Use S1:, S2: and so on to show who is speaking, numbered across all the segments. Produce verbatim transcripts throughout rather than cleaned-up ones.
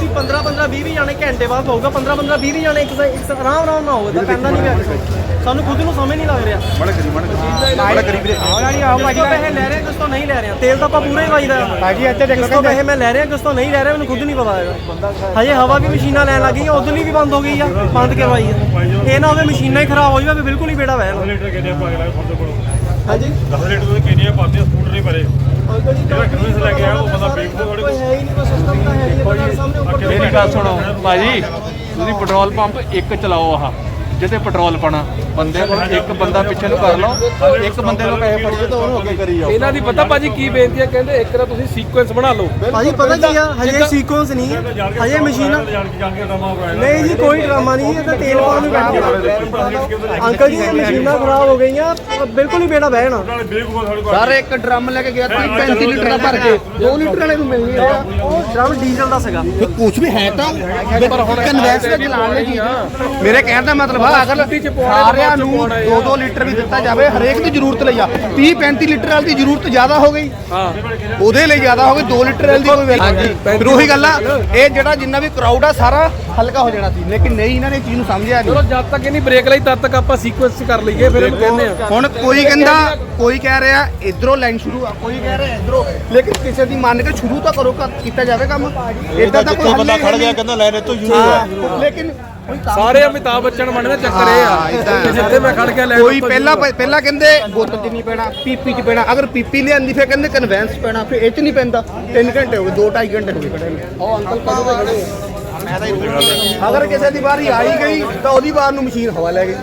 S1: ਤੁਸੀਂ ਪੰਦਰਾਂ ਪੰਦਰਾਂ ਵੀਹ ਵੀਹ ਜਾਣੇ ਘੰਟੇ ਬਾਅਦ ਹੋਊਗਾ। ਪੰਦਰਾਂ ਪੰਦਰਾਂ ਵੀਹ ਵੀਹ ਜਾਣੇ ਇੱਕ ਇੱਕ ਆਰਾਮ ਆਰਾਮ ਨਾਲ ਹੋਊਗਾ ਤਾਂ ਪੈਂਦਾ ਨਹੀਂ ਪਿਆ ਕਿਸੇ ਨੂੰ। ਸਾਨੂੰ ਖੁਦ ਨੂੰ ਸਮਝ ਨਹੀਂ ਲੱਗ ਰਿਹਾ।
S2: ਬੜਾ ਕਰੀ ਬੜਾ ਕਰੀ ਵੀਰੇ
S1: ਆਓ ਭਾਜੀ ਪੈਸੇ ਲੈ ਰਹੇ ਕਿਸ ਤੋਂ ਨਹੀਂ ਲੈ ਰਹੇ। ਤੇਲ ਤਾਂ ਆਪਾਂ ਪੂਰਾ ਹੀ ਵਾਈਦਾ
S3: ਭਾਜੀ ਇੱਥੇ ਦੇਖੋ
S1: ਕਿਸ ਤੋਂ ਪੈਸੇ ਮੈਂ ਲੈ ਰਿਹਾ ਕਿਸ ਤੋਂ ਨਹੀਂ ਲੈ ਰਿਹਾ ਮੈਨੂੰ ਖੁਦ ਨਹੀਂ ਪਤਾ ਹੈਗਾ। ਹਜੇ ਹਵਾ ਵੀ ਮਸ਼ੀਨਾਂ ਲੈਣ ਲੱਗ ਗਈਆਂ ਉਦੋਂ ਵੀ ਬੰਦ ਹੋ ਗਈ ਆ ਬੰਦ ਕਰਵਾਈ ਆ। ਇਹ ਨਾ ਹੋਵੇ ਮਸ਼ੀਨਾਂ ਹੀ ਖਰਾਬ ਹੋ ਜਾਵੇ ਬਿਲਕੁਲ ਹੀ ਬੇੜਾ ਵਹਿ ਨਾ।
S4: ਲੀਟਰ ਕਿੰਨੇ ਪਾ ਕੇ ਫੋਟੋ ਕੋਲ
S1: ਹਾਂਜੀ
S4: ਦਸ ਲੀਟਰ ਤੋਂ ਕਿੰਨੇ ਪਾਉਂਦੇ ਸਕੂਟਰ ਨਹੀਂ ਭਰੇ
S1: ਅੰਕਲ ਜੀ
S4: ਜਿਹੜਾ ਕਿੰਨੇ ਲੈ ਕੇ ਆਇਆ ਉਹ ਬੰਦਾ ਬੇਵਕੂਫ ਥੋੜੇ
S1: ਕੋਈ ਹੈ ਹੀ ਨਹੀਂ ਕੋਈ ਸਿਸਟਮ ਤਾਂ ਹੈ ਨਹੀਂ ਸਾਹਮਣੇ ਉੱਪਰ
S2: ਮੇਰੀ ਗੱਲ ਸੁਣੋ ਭਾਜੀ, ਤੁਸੀਂ ਪੈਟਰੋਲ ਪੰਪ ਇੱਕ ਚਲਾਓ ਆਹ ਜਿੱਥੇ ਪੈਟਰੋਲ ਪਾਣਾ ਬੰਦੇ ਕੋਲ ਇੱਕ ਬੰਦਾ ਪਿੱਛੇ ਨੂੰ ਕਰ ਲਓ, ਇੱਕ ਬੰਦੇ ਨੂੰ ਪੈਸੇ ਫੜੀਏ ਤਾਂ ਉਹਨੂੰ ਅੱਗੇ ਕਰੀ ਜਾਓ।
S5: ਇਹਨਾਂ ਦੀ ਪਤਾ ਭਾਜੀ ਕੀ ਬੇਨਤੀ ਹੈ, ਕਹਿੰਦੇ ਇੱਕ ਤਾਂ ਤੁਸੀਂ ਸੀਕੁਐਂਸ ਬਣਾ ਲਓ।
S1: ਭਾਜੀ ਪਤਾ ਕੀ ਆ ਹਜੇ ਸੀਕੁਐਂਸ ਨਹੀਂ ਹਜੇ ਮਸ਼ੀਨਾਂ ਨਹੀਂ ਜੀ ਕੋਈ ਡਰਾਮਾ ਨਹੀਂ ਇਹ ਤਾਂ ਤੇਲ ਪਾਉਣ ਨੂੰ ਬੈਠੇ ਅੰਕਲ ਜੀ ਇਹ ਮਸ਼ੀਨਾਂ ਖਰਾਬ ਹੋ ਗਈਆਂ ਬਿਲਕੁਲ ਹੀ ਬੇੜਾ ਬਹਿਣਾ।
S3: ਸਰ ਇੱਕ ਡਰਮ ਲੈ ਕੇ ਗਿਆ ਤੀਹ ਪੈਂਤੀ ਲੀਟਰ ਦਾ ਭਰ ਕੇ ਦੋ ਲੀਟਰ ਵਾਲੇ ਨੂੰ ਮਿਲ ਗਿਆ।
S1: ਉਹ ਡਰਮ ਡੀਜ਼ਲ ਦਾ ਸੀਗਾ।
S3: ਕੁਝ ਵੀ ਹੈ ਤਾਂ ਪਰ ਹੁਣ ਕਨਵੈਂਸ ਤੇ ਚਲਾਉਣ ਲਈ ਚੀਜ਼ ਮੇਰੇ ਕਹਿਣ ਦਾ ਮਤਲਬ ਆ ਅਗਰ ਸਾਰਿਆਂ ਨੂੰ ਦੋ ਦੋ ਲੀਟਰ ਵੀ ਦਿੱਤਾ ਜਾਵੇ ਹਰੇਕ ਦੀ ਜ਼ਰੂਰਤ ਲਈ ਆ ਤੀਹ ਪੈਂਤੀ ਲੀਟਰ ਵਾਲੀ ਦੀ ਜ਼ਰੂਰਤ ਜ਼ਿਆਦਾ ਹੋ ਗਈ
S5: ਹਾਂ
S3: ਉਹਦੇ ਲਈ ਜ਼ਿਆਦਾ ਹੋ ਗਈ ਦੋ ਲੀਟਰ ਵਾਲੀ ਦੀ ਕੋਈ ਵੈਲਿਊ ਫਿਰ ਉਹੀ ਗੱਲ ਆ ਇਹ ਜਿਹੜਾ ਜਿੰਨਾ ਵੀ ਕਰਾਊਡ ਆ ਸਾਰਾ ਹਲਕਾ ਹੋ ਜਾਣਾ ਸੀ ਲੇਕਿਨ ਨਹੀਂ ਇਹਨਾਂ ਨੇ ਚੀਜ਼ ਨੂੰ ਸਮਝਿਆ
S5: ਚਲੋ
S3: ਨਹੀਂ।
S5: ਜਦ ਤੱਕ ਇਹਨੀ ਬ੍ਰੇਕ ਲਈ ਤਦ ਤੱਕ ਆਪਾਂ ਸੀਕੁਐਂਸ ਕਰ ਲਈਏ ਫਿਰ ਇਹਨੂੰ ਕਹਿੰਦੇ ਆ।
S3: ਹੁਣ ਕੋਈ ਕਹਿੰਦਾ ਕੋਈ ਕਹਿ ਰਿਹਾ ਇਧਰੋਂ ਲਾਈਨ ਸ਼ੁਰੂ ਆ ਕੋਈ ਕਹਿ ਰਿਹਾ ਇਧਰੋਂ ਲੇਕਿਨ ਕਿਸੇ ਦੀ ਮੰਨ ਕੇ ਸ਼ੁਰੂ ਤਾਂ ਕਰੋ ਕੀਤਾ ਜਾਵੇ ਕੰਮ ਇਦਾਂ ਤਾਂ ਕੋਈ
S2: ਬੰਦਾ ਖੜ ਗਿਆ ਕਹਿੰਦਾ ਲੈ ਲੈ ਤੂੰ ਯੂਜ਼ ਆ
S3: ਲੇਕਿਨ
S5: ਸਾਰੇ ਅਮਿਤਾਭ ਬੱਚਨ ਬਣਦੇ ਚੱਕਰ ਇਹ ਆ ਕਿ ਜਿੱਥੇ ਮੈਂ ਖੜ ਕੇ ਲੈ
S3: ਕੋਈ ਪਹਿਲਾਂ ਪਹਿਲਾਂ ਕਹਿੰਦੇ ਬੋਤਲ 'ਚ ਨਹੀਂ ਪੈਣਾ ਪੀਪੀ 'ਚ ਪੈਣਾ ਅਗਰ ਪੀਪੀ ਲਿਆਂਦੀ ਫਿਰ ਕਹਿੰਦੇ ਕਨਵੈਂਸ ਪੈਣਾ ਫਿਰ ਇਹ 'ਚ ਨਹੀਂ ਪੈਂਦਾ। ਤਿੰਨ ਘੰਟੇ ਹੋ ਗਏ ਦੋ ਢਾਈ ਘੰਟੇ ਹੋ ਗਏ ਖੜੇ ਨੇ ਉਹ ਅੰਕਲ ਕਦੋਂ ਦੇ ਖੜੇ ਅਗਰ ਕਿਸੇ ਦੀ ਵਾਰੀ ਆਈ ਗਈ ਤਾਂ ਉਹਦੀ ਵਾਰ ਨੂੰ ਮਸ਼ੀਨ ਹਵਾ ਲੈ ਗਈ।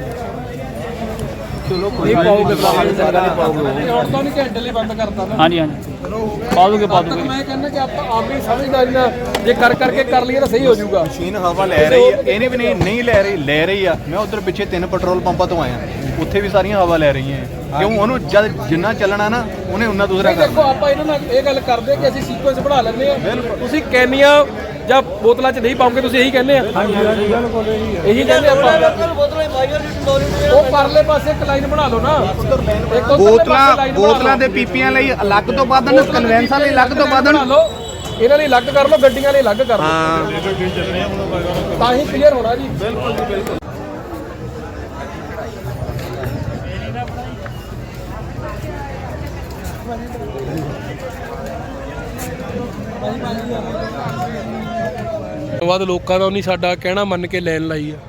S5: ਨਹੀਂ ਪਾਉਗੇ ਹੁਣ ਤਾਂ ਨਹੀਂ ਘੰਟੇ ਲਈ ਬੰਦ ਕਰਤਾ ਨਾ।
S2: ਹਾਂਜੀ ਹਾਂਜੀ ਪਾ ਦੋਗੇ ਪਾ ਦੋਗੇ।
S5: ਮੈਂ ਕਹਿੰਦਾ ਕਿ ਆਪਾਂ ਆਪਣੀ ਸਮਝਦਾਰੀ ਨਾਲ ਜੇ ਕਰ ਕਰਕੇ ਕਰ ਲਈਏ ਤਾਂ ਸਹੀ ਹੋ ਜਾਊਗਾ।
S2: ਮਸ਼ੀਨ ਹਵਾ ਲੈ ਰਹੀ ਹੈ ਇਹਨੇ ਵੀ ਨਹੀਂ ਨਹੀਂ ਲੈ ਰਹੀ ਲੈ ਰਹੀ ਆ। ਮੈਂ ਉਧਰ ਪਿੱਛੇ ਤਿੰਨ ਪੈਟਰੋਲ ਪੰਪਾਂ ਤੋਂ ਆਇਆ ਉੱਥੇ ਵੀ ਸਾਰੀਆਂ ਹਵਾ ਲੈ ਰਹੀਆਂ ਕਿਉਂ ਉਹਨੂੰ ਜਦ ਜਿੰਨਾ ਚੱਲਣਾ ਨਾ ਉਹਨੇ ਉਨਾ ਦੂਸਰਾ
S5: ਦੇਖੋ
S2: ਕਰਨਾ।
S5: ਆਪਾਂ ਇਹਨਾਂ ਨਾਲ ਇਹ ਗੱਲ ਕਰਦੇ ਕਿ ਅਸੀਂ ਸੀਕੁਐਂਸ ਬਣਾ ਲੈਂਦੇ ਆ ਤੁਸੀਂ ਕੈਨੀਆਂ ਜਾਂ ਬੋਤਲਾਂ 'ਚ ਨਹੀਂ ਪਾਉਂਗੇ ਤੁਸੀਂ ਇਹੀ ਕਹਿੰਦੇ ਆ। ਹਾਂਜੀ ਹਾਂਜੀ ਬਿਲਕੁਲ ਇਹੀ ਕਹਿੰਦੇ ਆਪਾਂ ਉਹ ਪਰਲੇ ਪਾਸੇ ਇੱਕ ਲਾਈਨ ਬਣਾ ਲਓ ਨਾ ਇੱਕ ਉੱਧਰਲੇ
S3: ਬੋਤਲਾਂ
S5: ਪਾਸੇ line ਬਣਾ
S3: ਬੋਤਲਾਂ
S5: ਲਓ।
S3: ਦੇ ਪੀਪੀਆਂ ਲਈ ਅਲੱਗ ਤੋਂ ਵਧਣ ਕਨਵੈਂਸਾਂ ਲਈ ਅਲੱਗ ਤੋਂ ਵਧਣ
S5: ਬਣਾ ਲਓ ਇਹਨਾਂ ਲਈ ਅਲੱਗ ਕਰ ਲਓ ਗੱਡੀਆਂ ਲਈ ਅਲੱਗ ਕਰ ਲਓ
S3: ਹਾਂ
S5: ਤਾਂ ਹੀ ਕਲੀਅਰ ਹੋਣਾ ਜੀ। ਬਿਲਕੁਲ ਜੀ ਬਿਲਕੁਲ ਬਾਅਦ ਲੋਕਾਂ ਦਾ ਨਹੀਂ ਸਾਡਾ ਕਹਿਣਾ ਮੰਨ ਕੇ ਲੈਣ ਲਈ ਆ।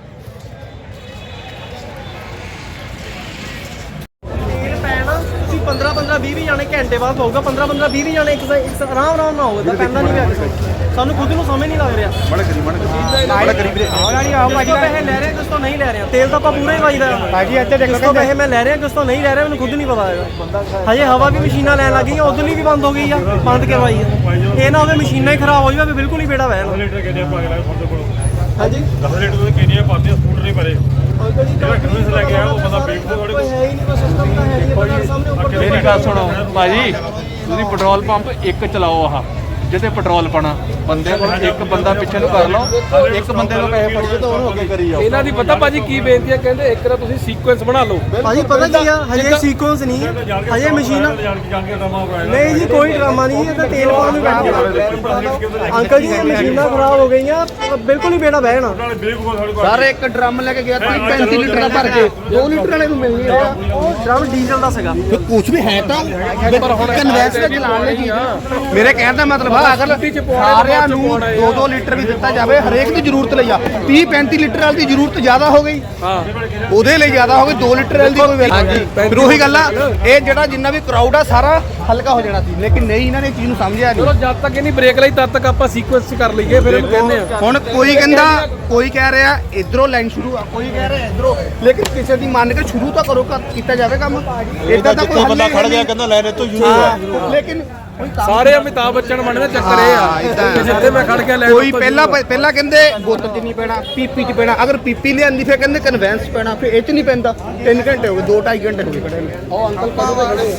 S1: ਤੇਲ ਪੈਣਾ ਤੁਸੀਂ ਪੰਦਰਾਂ ਪੰਦਰਾਂ ਵੀਹ ਵੀਹ ਜਾਣੇ ਘੰਟੇ ਬਾਅਦ ਹੋਊਗਾ। ਪੰਦਰਾਂ ਪੰਦਰਾਂ ਵੀਹ ਵੀਹ ਜਾਣੇ ਇੱਕ ਇੱਕ ਆਰਾਮ ਆਰਾਮ ਨਾਲ ਹੋਊਗਾ ਤਾਂ ਪੈਂਦਾ ਨਹੀਂ ਪਿਆ ਕਿਸੇ ਨੂੰ। ਸਾਨੂੰ ਖੁਦ ਨੂੰ ਸਮਝ ਨਹੀਂ ਲੱਗ ਰਿਹਾ।
S2: ਬੜਾ ਕਰੀ ਬੜਾ ਕਰੀ ਵੀਰੇ
S1: ਆਓ ਭਾਜੀ ਪੈਸੇ ਲੈ ਰਹੇ ਕਿਸ ਤੋਂ ਨਹੀਂ ਲੈ ਰਹੇ। ਤੇਲ ਤਾਂ ਆਪਾਂ ਪੂਰਾ ਹੀ ਵਾਈਦਾ
S3: ਭਾਜੀ ਇੱਥੇ
S1: ਕਿਸ ਤੋਂ ਪੈਸੇ ਮੈਂ ਲੈ ਰਿਹਾ ਕਿਸ ਤੋਂ ਨਹੀਂ ਲੈ ਰਿਹਾ ਮੈਨੂੰ ਖੁਦ ਨਹੀਂ ਪਤਾ ਹੈਗਾ। ਹਜੇ ਹਵਾ ਵੀ ਮਸ਼ੀਨਾਂ ਲੈਣ ਲੱਗ ਗਈਆਂ ਉਦੋਂ ਵੀ ਬੰਦ ਹੋ ਗਈ ਆ ਬੰਦ ਕਰਵਾਈ ਆ। ਇਹ ਨਾ ਹੋਵੇ ਮਸ਼ੀਨਾਂ ਹੀ ਖਰਾਬ ਹੋ ਜਾਵੇ ਬਿਲਕੁਲ ਹੀ ਬੇੜਾ ਵਹਿ ਨਾ।
S4: ਲੀਟਰ ਕਿੰਨੇ ਪਾ ਕੇ ਫੋਟੋ ਕੋਲ
S1: ਹਾਂਜੀ
S4: ਦਸ ਲੀਟਰ ਤੋਂ ਕਿੰਨੇ ਪਾਉਂਦੇ ਸਕੂਟਰ ਨਹੀਂ ਭਰੇ
S1: ਅੰਕਲ ਜੀ
S4: ਜਿਹੜਾ ਕਿੰਨੇ ਲੈ ਕੇ ਆਇਆ ਉਹ ਬੰਦਾ ਬੇਵਕੂਫ ਥੋੜੇ
S1: ਕੋਈ ਹੈ ਹੀ ਨਹੀਂ ਕੋਈ ਸਿਸਟਮ ਤਾਂ ਹੈ ਨਹੀਂ ਸਾਹਮਣੇ ਉੱਪਰ
S2: ਮੇਰੀ ਗੱਲ ਸੁਣੋ ਭਾਜੀ, ਤੁਸੀਂ ਪੈਟਰੋਲ ਪੰਪ ਇੱਕ ਚਲਾਓ ਆਹ ਜਿੱਥੇ ਪੈਟਰੋਲ ਪਾਣਾ ਬੰਦੇ ਕੋਲ ਇੱਕ ਬੰਦਾ ਪਿੱਛੇ ਨੂੰ ਕਰ ਲਓ, ਇੱਕ ਬੰਦੇ ਨੂੰ ਪੈਸੇ ਫੜੀਏ ਤਾਂ ਉਹਨੂੰ ਅੱਗੇ ਕਰੀ ਜਾਓ।
S5: ਇਹਨਾਂ ਦੀ ਪਤਾ ਭਾਜੀ ਕੀ ਬੇਨਤੀ ਹੈ, ਕਹਿੰਦੇ ਇੱਕ ਤਾਂ ਤੁਸੀਂ ਸੀਕੁਐਂਸ ਬਣਾ ਲਓ।
S1: ਭਾਜੀ ਪਤਾ ਕੀ ਆ ਹਜੇ ਸੀਕੁਐਂਸ ਨਹੀਂ ਹਜੇ ਮਸ਼ੀਨਾਂ ਨਹੀਂ ਜੀ ਕੋਈ ਡਰਾਮਾ ਨਹੀਂ ਇਹ ਤਾਂ ਤੇਲ ਪਾਉਣ ਨੂੰ ਬੈਠੇ ਅੰਕਲ ਜੀ ਇਹ ਮਸ਼ੀਨਾਂ ਖਰਾਬ ਹੋ ਗਈਆਂ ਬਿਲਕੁਲ ਹੀ ਬੇੜਾ ਬਹਿਣਾ।
S3: ਸਰ ਇੱਕ ਡਰਮ ਲੈ ਕੇ ਗਿਆ ਤੀਹ ਪੈਂਤੀ ਲੀਟਰ ਦਾ ਭਰ ਕੇ ਦੋ ਲੀਟਰ ਵਾਲੇ ਨੂੰ ਮਿਲ ਗਿਆ।
S1: ਉਹ ਡਰਮ ਡੀਜ਼ਲ ਦਾ ਸੀਗਾ।
S3: ਕੁਝ ਵੀ ਹੈ ਤਾਂ ਪਰ ਹੁਣ ਕਨਵੈਂਸ ਤੇ ਚਲਾਉਣ ਲਈ ਚੀਜ਼ ਮੇਰੇ ਕਹਿਣ ਦਾ ਮਤਲਬ ਆ ਅਗਰ ਸਾਰਿਆਂ ਨੂੰ ਦੋ ਦੋ ਲੀਟਰ ਵੀ ਦਿੱਤਾ ਜਾਵੇ ਹਰੇਕ ਦੀ ਜ਼ਰੂਰਤ ਲਈ ਆ ਤੀਹ ਪੈਂਤੀ ਲੀਟਰ ਵਾਲੀ ਦੀ ਜ਼ਰੂਰਤ ਜ਼ਿਆਦਾ ਹੋ ਗਈ
S5: ਹਾਂ
S3: ਉਹਦੇ ਲਈ ਜ਼ਿਆਦਾ ਹੋ ਗਈ ਦੋ ਲੀਟਰ ਵਾਲੀ ਦੀ ਕੋਈ ਵੈਲਿਊ ਫਿਰ ਉਹੀ ਗੱਲ ਆ ਇਹ ਜਿਹੜਾ ਜਿੰਨਾ ਵੀ ਕਰਾਊਡ ਆ ਸਾਰਾ ਹਲਕਾ ਹੋ ਜਾਣਾ ਸੀ ਲੇਕਿਨ ਨਹੀਂ ਇਹਨਾਂ ਨੇ ਚੀਜ਼ ਨੂੰ ਸਮਝਿਆ
S5: ਚਲੋ
S3: ਨਹੀਂ।
S5: ਜਦ ਤੱਕ ਇਹਨੀ ਬ੍ਰੇਕ ਲਈ ਤਦ ਤੱਕ ਆਪਾਂ ਸੀਕੁਐਂਸ ਕਰ ਲਈਏ ਫਿਰ ਇਹਨੂੰ ਕਹਿੰਦੇ ਆ।
S3: ਹੁਣ ਕੋਈ ਕਹਿੰਦਾ ਕੋਈ ਕਹਿ ਰਿਹਾ ਇਧਰੋਂ ਲਾਈਨ ਸ਼ੁਰੂ ਆ ਕੋਈ ਕਹਿ ਰਿਹਾ ਇਧਰੋਂ ਲੇਕਿਨ ਕਿਸੇ ਦੀ ਮੰਨ ਕੇ ਸ਼ੁਰੂ ਤਾਂ ਕਰੋ ਕੀਤਾ ਜਾਵੇ ਕੰਮ ਇਦਾਂ ਤਾਂ ਕੋਈ
S2: ਬੰਦਾ ਖੜ ਗਿਆ ਕਹਿੰਦਾ ਲੈ ਲੈ ਤੂੰ ਯੂਜ਼ ਆ
S3: ਲੇਕਿਨ
S5: ਸਾਰੇ ਅਮਿਤਾਭ ਬੱਚਨ ਬਣਦੇ ਚੱਕਰ ਇਹ ਆ ਕਿ ਜਿੱਥੇ ਮੈਂ ਖੜ ਕੇ ਲੈ
S3: ਕੋਈ ਪਹਿਲਾਂ ਪਹਿਲਾਂ ਕਹਿੰਦੇ ਬੋਤਲ 'ਚ ਨਹੀਂ ਪੈਣਾ ਪੀਪੀ 'ਚ ਪੈਣਾ ਅਗਰ ਪੀਪੀ ਲਿਆਂਦੀ ਫਿਰ ਕਹਿੰਦੇ ਕਨਵੈਂਸ ਪੈਣਾ ਫਿਰ ਇਹ 'ਚ ਨਹੀਂ ਪੈਂਦਾ। ਤਿੰਨ ਘੰਟੇ ਹੋ ਗਏ ਦੋ ਢਾਈ ਘੰਟੇ ਹੋ ਗਏ ਖੜੇ ਨੇ ਉਹ ਅੰਕਲ ਕਦੋਂ ਦੇ ਖੜੇ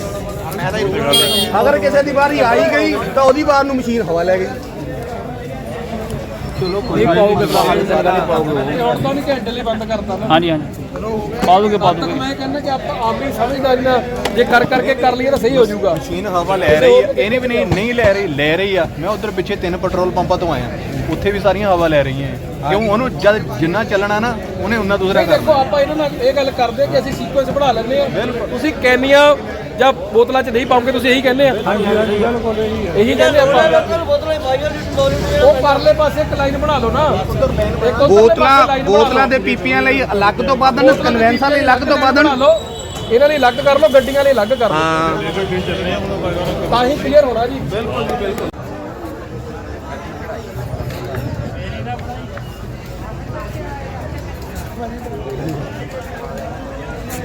S3: ਅਗਰ ਕਿਸੇ ਦੀ ਵਾਰੀ ਆਈ ਗਈ ਤਾਂ ਉਹਦੀ ਵਾਰ ਨੂੰ ਮਸ਼ੀਨ ਹਵਾ ਲੈ ਗਈ।
S2: ਚਲੋ
S5: ਨਹੀਂ ਪਾਓਗੇ ਹੁਣ ਤਾਂ ਨਹੀਂ ਘੰਟੇ ਲਈ ਬੰਦ ਕਰਤਾ ਨਾ
S6: ਹਾਂਜੀ ਹਾਂਜੀ ਪਾ ਦੋਗੇ ਪਾ ਦੋਗੇ
S5: ਮੈਂ ਕਹਿੰਦਾ ਕਿ ਆਪਾਂ ਆਪਣੀ ਸਮਝਦਾਰੀ ਨਾਲ ਜੇ ਕਰ ਕਰਕੇ ਕਰ ਲਈਏ ਤਾਂ ਸਹੀ ਹੋ ਜਾਊਗਾ।
S2: ਮਸ਼ੀਨ ਹਵਾ ਲੈ ਰਹੀ ਹੈ, ਇਹਨੇ ਵੀ ਨਹੀਂ ਨਹੀਂ ਲੈ ਰਹੀ ਲੈ ਰਹੀ ਆ। ਮੈਂ ਉਧਰ ਪਿੱਛੇ ਤਿੰਨ ਪੈਟਰੋਲ ਪੰਪਾਂ ਤੋਂ ਆਇਆ, ਉੱਥੇ ਵੀ ਸਾਰੀਆਂ ਹਵਾ ਲੈ ਰਹੀਆਂ ਹੈ। ਕਿਉਂ ਉਹਨੂੰ ਜਦ ਜਿੰਨਾ ਚੱਲਣਾ ਨਾ ਉਹਨੇ ਉਨਾ ਦੂਸਰਾ
S5: ਦੇਖੋ
S2: ਕਰਨਾ।
S5: ਆਪਾਂ ਇਹਨਾਂ ਨਾਲ ਇਹ ਗੱਲ ਕਰਦੇ ਕਿ ਅਸੀਂ ਸੀਕੁਐਂਸ ਬਣਾ ਲੈਂਦੇ ਆ। ਤੁਸੀਂ ਕੈਨੀਆਂ ਜਾਂ ਬੋਤਲਾਂ 'ਚ ਨਹੀਂ ਪਾਉਂਗੇ, ਤੁਸੀਂ ਇਹੀ ਕਹਿੰਦੇ ਆ। ਹਾਂਜੀ ਹਾਂਜੀ ਬਿਲਕੁਲ ਇਹੀ ਕਹਿੰਦੇ ਆਪਾਂ। ਉਹ ਪਰਲੇ ਪਾਸੇ ਇੱਕ ਲਾਈਨ ਬਣਾ ਲਓ ਨਾ। ਇੱਕ ਉੱਧਰਲੇ ਪਾਸੇ
S3: ਬੋਤਲਾਂ
S5: line ਬਣਾ
S3: ਬੋਤਲਾਂ
S5: ਲਓ।
S3: ਦੇ ਪੀਪੀਆਂ ਲਈ ਅਲੱਗ ਤੋਂ ਵਧਣ, ਕਨਵੈਂਸਾਂ ਲਈ ਅਲੱਗ ਤੋਂ ਵਧਣ।
S5: ਬਣਾ ਲਓ, ਇਹਨਾਂ ਲਈ ਅਲੱਗ ਕਰ ਲਓ, ਗੱਡੀਆਂ ਲਈ ਅਲੱਗ ਕਰ ਲਓ। ਤਾਂ ਹੀ ਕਲੀਅਰ ਹੋਣਾ ਜੀ। ਬਿਲਕੁਲ ਜੀ ਬਿਲਕੁਲ।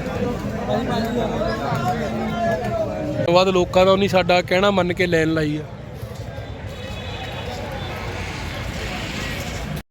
S5: ਬਾਅਦ ਲੋਕਾਂ ਦਾ ਨਹੀਂ ਸਾਡਾ ਕਹਿਣਾ ਮੰਨ ਕੇ ਲੈਣ ਲਾਈ ਆ।